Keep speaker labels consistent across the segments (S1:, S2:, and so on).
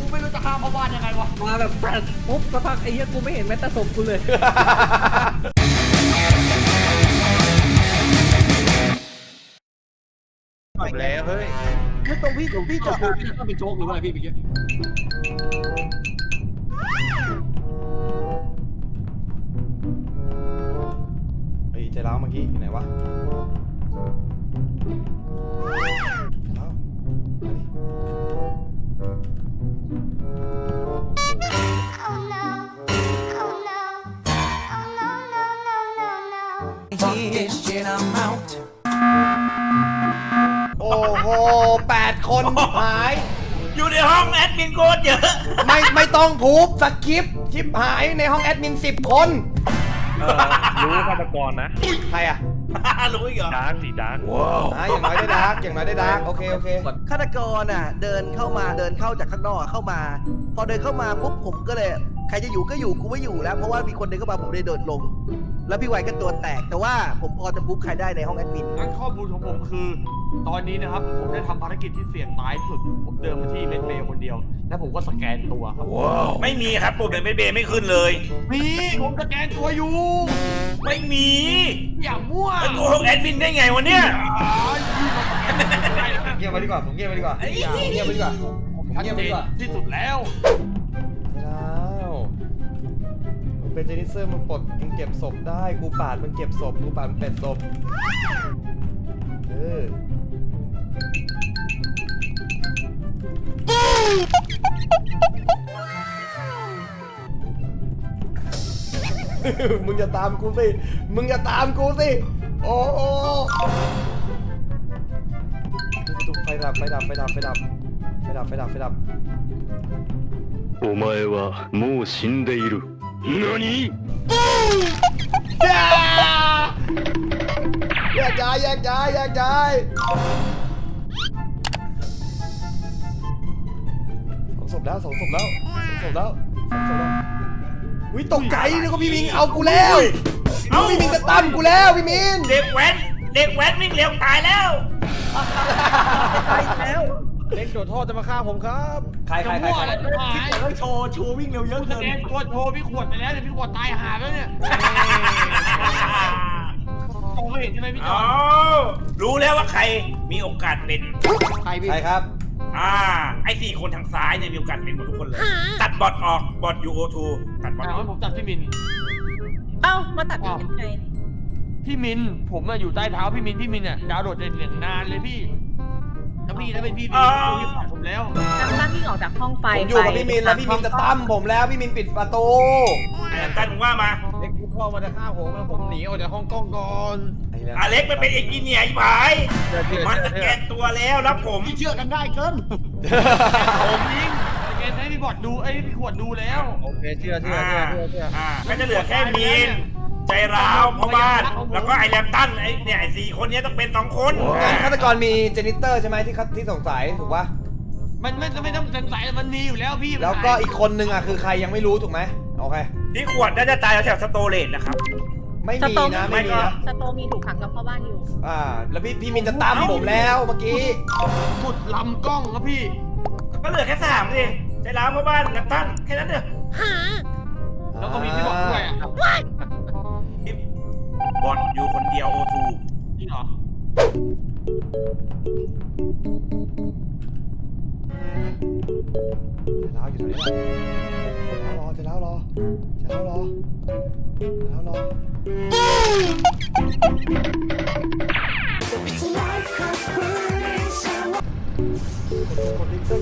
S1: ไม่รู้จะข้ามเข้าบ้านยังไงวะ
S2: มาแบบปุ๊บสักพักไอ้เหี้ยกูไม่เห็นแม้แต่ศพกูเลย
S3: จบแล้วเฮ้ย
S1: ไม่ตรงพี่จบพี่ต้องเป็นโจ๊กหรืออะไรพี่เมื่อกี้
S4: เฮ้ยใจร้าวเมื่อกี้อยู่ไหนวะแล้วโอ้โห8 คนหาย
S5: อยู่ในห้องแอดมินโคตรเยอะ
S4: ไม่ต้องพูบสคริปต์ชิปหายในห้องแอดมิน10 คน
S3: รู้ฆาตกรนะ
S4: ใครอ่ะ
S5: รู้อีกเหรอ
S3: ดาร์กสีดาร์ก
S4: อย่างน้อยได้ดาร์กอย่างน้อยได้ดาร์กโอเค
S6: ฆาตกรอ่ะเดินเข้าจากข้างนอกเข้ามาพอเดินเข้ามาปุ๊บผมก็เลยใครจะอยู่ก็อยู่กูไม่อยู่แล้วเพราะว่ามีคนเดินเข้ามาผมเลยเดินลงแล้วพี่ไวก็ตัวแตกแต่ว่าผมพอจะปุ๊บใครได้ในห้องแอดมิน
S1: งั้นข้อมูลของผมคือตอนนี้นะครับผมได้ทำภารกิจที่เสี่ยงตายสุดผมเดินมาที่เมดเบย์คนเดียวแล้วผมก็สแกนตัวครับ
S5: ไม่มีครับปุ่มในเมดเบย์ไม่ขึ้นเลย
S1: มีผมสแกนตัวอยู่
S5: ไม่มี
S1: อย่ามั่ว
S5: แล้วตัวห้องแอดมินได้ไงวะเนี่ย
S4: เงียบไปดีกว่าผมเงียบไปดีกว่าเงียบไปดีกว่าผมเงียบไปดีกว่า
S1: ที่สุดแล้ว
S4: มึงเป็นเจนิเซอร์มึงปลดมึงเก็บศพได้กูปาดมึงเก็บศพกูปาดมึงเป็ดศพมึงอย่าตามกูสิโอ้โหไฟดับ
S7: お前はもう死んでいる。何？
S4: แยกย้ายสองศพแล้ววิตกใจนึกว่าพี่มิงเอากูแล้วพี่มิงจะตั้มกูแล้วพี่มิง
S5: เด็กแว้นวิ่งเร็วตายแล้ว
S3: เล็กโดดท่อจะมาฆ่าผมครับ
S4: ใคร
S1: แล้วโชว์วิ่งเร็วเยอะเกินตัวโชว์พี่ขวดไปแล้วเดี๋ยวพี่ขวดตายหาแล้วเนี่ยโอ้เห็นใช่ไหมพี่จอ
S5: รู้แล้วว่าใครมีโอกาสเป็น
S4: ใครครับ
S5: ไอ้4 คนทางซ้ายเนี่ยมีโอกาสเป็นหมดทุกคนเลยตัดบอทออกบอท UO2 ตัดบอทออก
S1: ผมตัดพี่มิน
S8: มาตัดพี่มินไง
S1: พี่มินผมอยู่ใต้เท้าพี่มินเนี่ยดาวโดดเด่นอย่างนานเลยพี่ถ้าเป็นพี่ผ่านผมแล้ว
S8: ตั้งวิ่งออกจากห้องไฟ
S4: ผมอยู่กับพี่มินแล้วพี่มินจะตั้มผมแล้วพี่มินปิดประตู
S5: ตั้งว่ามา
S3: เล็กเข้ามาจะฆ่าผมแล้วผมหนีออกจากห้องกล้องก่อน
S5: เล็กมันเป็นเอนจิเนียร์ไอ้ผายมันสแกนตัวแล้วผม
S1: เชื่อกันได้เกินผมยิงสแกนให้พี่บอดดูพี่ขวดดูแล้ว
S3: โอเคเชื่อ
S5: ก็จะเหลือแค่มินใจร้าวพ่อบ้านแล้วก็ไอแรมตันไอ้4 คนนี้ต้องเป็น2 คน
S4: ฆาตกรมีเจนิเตอร์ใช่ไหมที่สงสัยถูกปะ
S1: มันไม่ต้องสงสัยมันมีอยู่แล้วพี่
S4: แล้วก็อีกคนนึงคือใครยังไม่รู้ถูกไหมโอเค
S5: ที่ขวดน่าจะตายแถวสโตเลตนะครับ
S4: ไม่มีนะ
S8: สโตมีถูกขังกับพ่อบ้านอยู่
S4: แล้วพี่มินจะตามผมแล้วเมื่อกี้
S1: สุดลำกล้องครับพี่
S5: ก็เหลือแค่3ดิใจร้าวพ่อบ้านกับตั้นแค่นั้นเด้อ
S1: แล้วก็มีพี่บอกด้วย
S5: บอทอยู่คนเดียว O2
S1: จริงเหรอ
S4: จะแล้วอยู่แถวนี้จะแล้วรอกดลิงเตอร์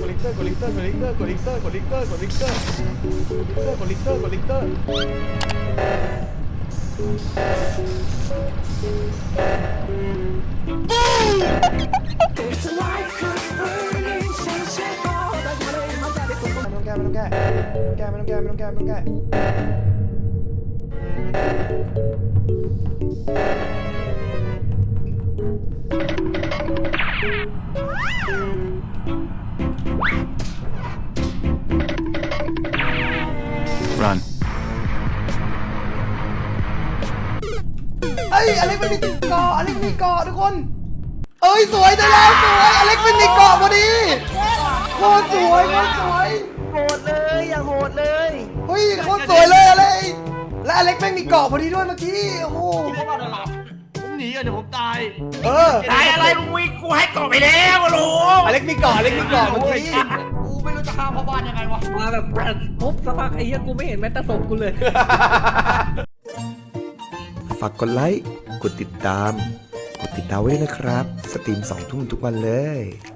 S4: ไม่ต้องแก้
S7: Run
S4: อเล็กมันมีเกาะทุกคนสวยได้แล้วสวยอเล็กมันมีเกาะพอดีโคตรสวยโคตรสวยเลยอะไรและอเล็กแม่งมีเกาะพอดีด้วยเมื่อกี้โอ้โห
S1: ผมหนีอ่ะเดี๋ยวผมตาย
S4: เออ
S5: ตายอะไรมึงวิ่งกูให้เกาะไปแล้วลุง
S4: อเล็กมีเกาะอเล็กมีเกาะเมื่อกี้
S1: กูไม่รู้จะฆ่าพ่อบ้านยังไงวะ
S2: มาแบบปุ๊บสักพักไอ้เหี้ยกูไม่เห็นแม้แต่ศพกูเลย
S4: ฝากกดไลค์กดติดตามไว้ด้วยนะครับสตรีม2 ทุ่มทุกวันเลย